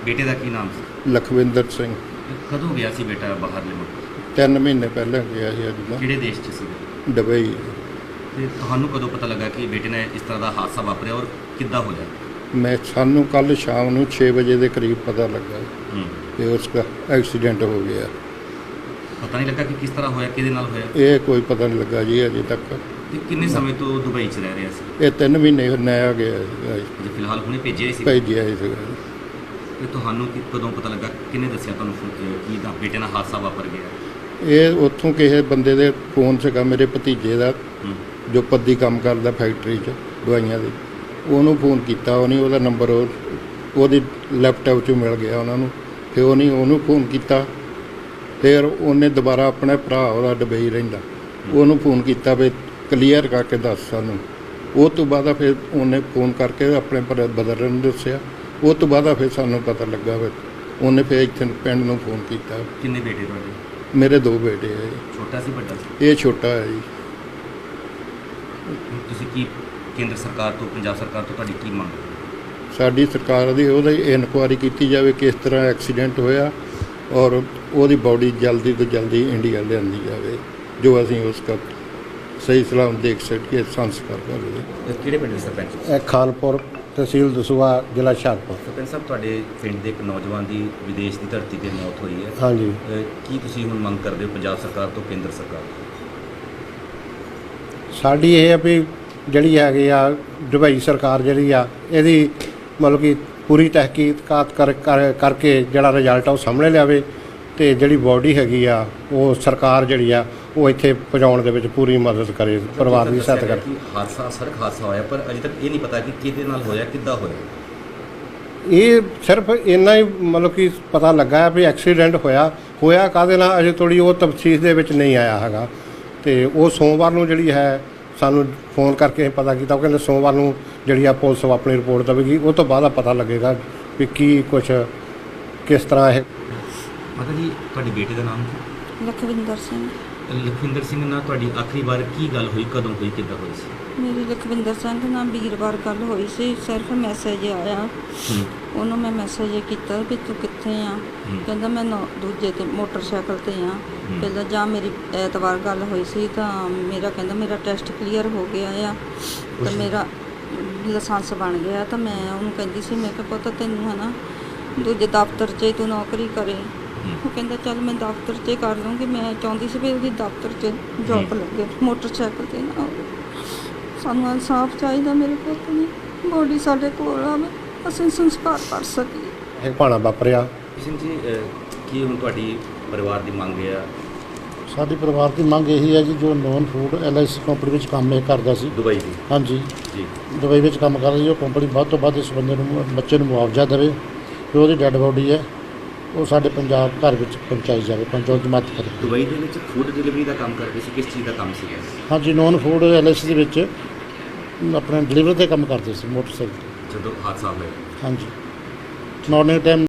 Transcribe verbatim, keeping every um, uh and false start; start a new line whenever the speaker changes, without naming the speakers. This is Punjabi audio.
ਬੇਟੇ ਦਾ ਕੀ ਨਾਮ ਸੀ?
ਲਖਵਿੰਦਰ ਸਿੰਘ।
ਕਦੋਂ ਗਿਆ ਸੀ ਬੇਟਾ ਬਾਹਰਲੇ ਮੁਲਕ?
ਤਿੰਨ ਮਹੀਨੇ ਪਹਿਲਾਂ ਗਿਆ ਸੀ ਅੱਜ ਦਾ।
ਕਿਹੜੇ ਦੇਸ਼ 'ਚ ਸੀ?
ਦੁਬਈ।
ਤੇ ਤੁਹਾਨੂੰ ਕਦੋਂ ਪਤਾ ਲੱਗਾ ਕਿ ਬੇਟੇ ਨੇ ਇਸ ਤਰ੍ਹਾਂ ਦਾ ਹਾਦਸਾ ਵਾਪਰਿਆ ਔਰ ਕਿੱਦਾਂ ਹੋਇਆ?
ਮੈਂ ਸਾਨੂੰ ਕੱਲ ਸ਼ਾਮ ਨੂੰ ਛੇ ਵਜੇ ਦੇ ਕਰੀਬ ਪਤਾ ਲੱਗਾ
ਹੂੰ
ਕਿ ਉਸ ਦਾ ਐਕਸੀਡੈਂਟ ਹੋ ਗਿਆ।
ਪਤਾ ਨਹੀਂ ਲੱਗਾ ਕਿ ਕਿਸ ਤਰ੍ਹਾਂ ਹੋਇਆ, ਕਿਹਦੇ ਨਾਲ ਹੋਇਆ?
ਇਹ ਕੋਈ ਪਤਾ ਨਹੀਂ ਲੱਗਾ ਜੀ ਅਜੇ ਤੱਕ।
ਤੇ ਕਿੰਨੇ ਸਮੇਂ ਤੋਂ ਦੁਬਈ 'ਚ ਰਹਿ ਰਿਹਾ ਸੀ?
ਇਹ ਤਿੰਨ ਮਹੀਨੇ ਨਇਆ ਗਿਆ ਸੀਗਾ ਜੀ,
ਜੇ ਫਿਲਹਾਲ ਹੁਣੇ ਭੇਜਿਆ ਹੀ ਸੀ।
ਭੇਜਿਆ ਸੀ ਸੀਗਾ ਜੀ।
ਤੇ ਤੁਹਾਨੂੰ ਕਿ- ਕਦੋਂ ਪਤਾ ਲੱਗਾ, ਕਿਹਨੇ ਦੱਸਿਆ ਤੁਹਾਨੂੰ ਫੋ- ਅਹ ਕਿ ਦਾ ਬੇਟੇ ਨਾਲ ਹਾਦਸਾ ਵਾਪਰ ਗਿਆ?
ਇਹ ਉੱਥੋਂ ਕਿਸੇ ਬੰਦੇ ਦੇ ਫੋਨ ਸੀਗਾ, ਮੇਰੇ ਭਤੀਜੇ ਦਾ,
ਹੂੰ
ਜੋ ਪੱਦੀ ਕੰਮ ਕਰਦਾ ਫੈਕਟਰੀ 'ਚ ਦਵਾਈਆਂ ਦੀ। ਉਹਨੂੰ ਫੋਨ ਕੀਤਾ, ਉਹਨੇ ਉਹਦਾ ਨੰਬਰ ਉਹ ਉਹਦੀ ਲੈਪਟਾਪ 'ਚੋਂ ਮਿਲ ਗਿਆ ਉਹਨਾਂ ਨੂੰ। ਫਿਰ ਉਹਨੇ ਉਹਨੂੰ ਫੋਨ ਕੀਤਾ। ਫਿਰ ਉਹਨੇ ਦੁਬਾਰਾ ਆਪਣੇ ਭਰਾ, ਉਹਦਾ ਦੁਬਈ ਰਹਿੰਦਾ, ਉਹਨੂੰ ਫੋਨ ਕੀਤਾ ਵੀ ਕਲੀਅਰ ਕਰਕੇ ਦੱਸ ਸਾਨੂੰ। ਉਹ ਤੋਂ ਬਾਅਦ ਫਿਰ ਉਹਨੇ ਫੋਨ ਕਰਕੇ ਆਪਣੇ ਭਰਾ ਬਦਰਨ ਨੂੰ ਦੱਸਿਆ। ਉਹ ਤੋਂ ਬਾਅਦ ਫਿਰ ਸਾਨੂੰ ਪਤਾ ਲੱਗਾ। ਫਿਰ ਉਹਨੇ ਫਿਰ ਇੱਥੇ ਪਿੰਡ ਨੂੰ ਫੋਨ ਕੀਤਾ।
ਕਿੰਨੇ ਬੇਟੇ ਤੁਹਾਡੇ?
ਮੇਰੇ ਦੋ ਬੇਟੇ ਹੈ ਜੀ।
ਛੋਟਾ ਸੀ ਵੱਡਾ ਸੀ?
ਇਹ ਛੋਟਾ ਹੈ ਜੀ।
ਤੁਸੀਂ ਕੀ ਕੇਂਦਰ ਸਰਕਾਰ ਤੋਂ, ਪੰਜਾਬ ਸਰਕਾਰ ਤੋਂ ਤੁਹਾਡੀ ਕੀ ਮੰਗ ਹੈ?
ਸਾਡੀ ਸਰਕਾਰ ਦੀ ਉਹਦੀ ਇਨਕੁਆਇਰੀ ਕੀਤੀ ਜਾਵੇ ਕਿਸ ਤਰ੍ਹਾਂ ਐਕਸੀਡੈਂਟ ਹੋਇਆ, ਔਰ ਉਹਦੀ ਬਾਡੀ ਜਲਦੀ ਤੋਂ ਜਲਦੀ ਇੰਡੀਆ ਲਿਆਂਦੀ ਜਾਵੇ, ਜੋ ਅਸੀਂ ਉਸ ਦਾ ਸਹੀ ਸਲਾਮ ਦੇਖ ਸਕੀਏ, ਸੰਸਕਾਰ ਕਰੀਏ।
ਇਹ ਕਿਹੜੇ ਪਿੰਡ ਦੇ ਸਰਪੰਚ?
ਇਹ ਖਾਨਪੁਰ, ਤਹਿਸੀਲ ਦਸੂਹਾ, ਜ਼ਿਲ੍ਹਾ ਹੁਸ਼ਿਆਰਪੁਰ।
ਸਰਪੰਚ ਸਾਹਿਬ, ਤੁਹਾਡੇ ਪਿੰਡ ਦੇ ਇੱਕ ਨੌਜਵਾਨ ਦੀ ਵਿਦੇਸ਼ ਦੀ ਧਰਤੀ 'ਤੇ ਮੌਤ ਹੋਈ ਹੈ।
ਹਾਂਜੀ,
ਅਹ ਕੀ ਤੁਸੀਂ ਹੁਣ ਮੰਗ ਕਰਦੇ ਹੋ ਪੰਜਾਬ ਸਰਕਾਰ ਤੋਂ, ਕੇਂਦਰ ਸਰਕਾਰ ਤੋਂ?
ਸਾਡੀ ਇਹ ਆ ਵੀ ਜਿਹੜੀ ਹੈਗੀ ਆ ਦੁਬਈ ਸਰਕਾਰ ਜਿਹੜੀ ਆ, ਇਹਦੀ ਮਤਲਬ ਕਿ ਪੂਰੀ ਤਹਿਕੀਕਾਤ ਕਰ ਕਰ ਕਰਕੇ ਜਿਹੜਾ ਰਿਜ਼ਲਟ ਆ ਉਹ ਸਾਹਮਣੇ ਲਿਆਵੇ, ਅਤੇ ਜਿਹੜੀ ਬੋਡੀ ਹੈਗੀ ਆ ਉਹ ਸਰਕਾਰ ਜਿਹੜੀ ਆ ਉਹ ਇੱਥੇ ਪਹੁੰਚਾਉਣ ਦੇ ਵਿੱਚ ਪੂਰੀ ਮਦਦ ਕਰੇ, ਪਰਿਵਾਰ ਦੀ ਸਹਾਇਤਾ ਕਰੇ।
ਕਿ ਹਾਦਸਾ ਸੜਕ ਹਾਦਸਾ ਹੋਇਆ, ਪਰ ਅਜੇ ਤੱਕ ਇਹ ਨਹੀਂ ਪਤਾ ਕਿ ਕਿਹਦੇ ਨਾਲ ਹੋਇਆ, ਕਿੱਦਾਂ ਹੋਇਆ।
ਇਹ ਸਿਰਫ ਇੰਨਾ ਹੀ ਮਤਲਬ ਕਿ ਪਤਾ ਲੱਗਾ ਵੀ ਐਕਸੀਡੈਂਟ ਹੋਇਆ ਹੋਇਆ ਕਾਹਦੇ ਨਾਲ, ਅਜੇ ਥੋੜ੍ਹੀ ਉਹ ਤਫਸੀਲ ਦੇ ਵਿੱਚ ਨਹੀਂ ਆਇਆ ਹੈਗਾ। ਅਤੇ ਉਹ ਸੋਮਵਾਰ ਨੂੰ ਜਿਹੜੀ ਹੈ ਸਾਨੂੰ ਫੋਨ ਕਰਕੇ ਪਤਾ ਕੀਤਾ। ਉਹ ਕਹਿੰਦੇ ਸੋਮਵਾਰ ਨੂੰ ਜਿਹੜੀ ਆ ਪੁਲਿਸ ਆਪਣੀ ਰਿਪੋਰਟ ਦੇਵੇਗੀ, ਉਹ ਤੋਂ ਬਾਅਦ ਪਤਾ ਲੱਗੇਗਾ ਵੀ ਕੀ ਕੁਛ ਕਿਸ ਤਰ੍ਹਾਂ ਇਹ।
ਮਾਤਾ ਜੀ, ਤੁਹਾਡੇ ਬੇਟੇ ਦਾ ਨਾਮ ਕੀ?
ਲਖਵਿੰਦਰ ਸਿੰਘ।
ਲਖਵਿੰਦਰ ਸਿੰਘ ਨਾਲ ਤੁਹਾਡੀ ਆਖਰੀ ਵਾਰ ਕੀ ਗੱਲ ਹੋਈ, ਕਦੋਂ ਹੋਈ, ਕਿੱਦਾਂ ਹੋਈ ਸੀ?
ਮੇਰੀ ਲਖਵਿੰਦਰ ਸਿੰਘ ਨਾਲ ਵੀਰਵਾਰ ਗੱਲ ਹੋਈ ਸੀ। ਸਿਰਫ ਮੈਸੇਜ ਆਇਆ,
ਹੂੰ
ਉਹਨੂੰ ਮੈਂ ਮੈਸੇਜ ਕੀਤਾ ਵੀ ਤੂੰ ਕਿੱਥੇ ਆ। ਕਹਿੰਦਾ ਮੈਂ ਨੌ ਦੂਜੇ ਤੇ ਮੋਟਰਸਾਈਕਲ ਤੇ ਆ। ਪਹਿਲਾਂ ਜਾਂ ਮੇਰੀ ਐਤਵਾਰ ਗੱਲ ਹੋਈ ਸੀ ਤਾਂ ਮੇਰਾ ਕਹਿੰਦਾ ਮੇਰਾ ਟੈਸਟ ਕਲੀਅਰ ਹੋ ਗਿਆ ਆ ਤਾਂ ਮੇਰਾ ਲਾਇਸੈਂਸ ਬਣ ਗਿਆ। ਤਾਂ ਮੈਂ ਉਹਨੂੰ ਕਹਿੰਦੀ ਸੀ, ਮੈਂ ਕਿਹਾ ਪੁੱਤ ਤੈਨੂੰ ਹੈ ਨਾ ਦੂਜੇ ਦਫ਼ਤਰ 'ਚ ਹੀ ਤੂੰ ਨੌਕਰੀ ਕਰੇ। ਉਹ ਕਹਿੰਦਾ ਚੱਲ ਮੈਂ ਦਫ਼ਤਰ 'ਚ ਕਰ ਲੂੰਗੀ। ਮੈਂ ਚਾਹੁੰਦੀ ਸੀ ਵੀ ਉਹਦੀ ਦਫ਼ਤਰ 'ਚ ਜੋਬ ਲੱਗੇ, ਮੋਟਰਸਾਈਕਲ 'ਤੇ ਨਾ ਹੋਵੇ। ਸਾਨੂੰ ਇਨਸਾਫ ਚਾਹੀਦਾ, ਮੇਰੇ ਪੁੱਤ ਦੀ ਬੋਡੀ ਸਾਡੇ ਕੋਲ ਆਵੇ, ਅਸੀਂ ਸੰਸਕਾਰ ਕਰ ਸਕੀਏ।
ਇਹ ਭਾਣਾ ਵਾਪਰਿਆ।
ਸਿੰਘ ਜੀ, ਅਹ ਕੀ ਹੁਣ ਤੁਹਾਡੀ ਪਰਿਵਾਰ ਦੀ ਮੰਗ ਹੈ?
ਸਾਡੀ ਪਰਿਵਾਰ ਦੀ ਮੰਗ ਇਹੀ ਹੈ ਜੀ, ਜੋ non food L I C company ਵਿੱਚ ਕੰਮ ਇਹ ਕਰਦਾ ਸੀ।
ਦੁਬਈ ਦੀ?
ਹਾਂਜੀ,
ਜੀ।
ਦੁਬਈ ਵਿੱਚ ਕੰਮ ਕਰਦਾ ਸੀ। ਉਹ ਕੰਪਨੀ ਵੱਧ ਤੋਂ ਵੱਧ ਇਸ ਬੰਦੇ ਨੂੰ, ਬੱਚੇ ਨੂੰ ਮੁਆਵਜ਼ਾ ਦੇਵੇ, ਜੋ ਉਹਦੀ ਡੈੱਡ ਬੋਡੀ ਹੈ ਉਹ ਸਾਡੇ ਪੰਜਾਬ ਘਰ ਵਿੱਚ ਪਹੁੰਚਾਈ ਜਾਵੇ, ਪਹੁੰਚਾਉਣ ਦੀ ਮਦਦ ਕਰੇ।
ਦੁਬਈ ਦੇ ਵਿੱਚ ਫੂਡ ਡਿਲੀਵਰੀ ਦਾ ਕੰਮ ਕਰਦੇ ਸੀ, ਕਿਸ ਚੀਜ਼ ਦਾ ਕੰਮ ਸੀਗਾ?
ਹਾਂਜੀ, non food L I C ਦੇ ਵਿੱਚ ਆਪਣੇ ਡਿਲੀਵਰੀ 'ਤੇ ਕੰਮ ਕਰਦੇ ਸੀ ਮੋਟਰਸਾਈਕਲ 'ਤੇ।
ਜਦੋਂ ਹਾਦਸਾ ਹੋਇਆ?
ਹਾਂਜੀ, ਮਾਰਨਿੰਗ ਟਾਈਮ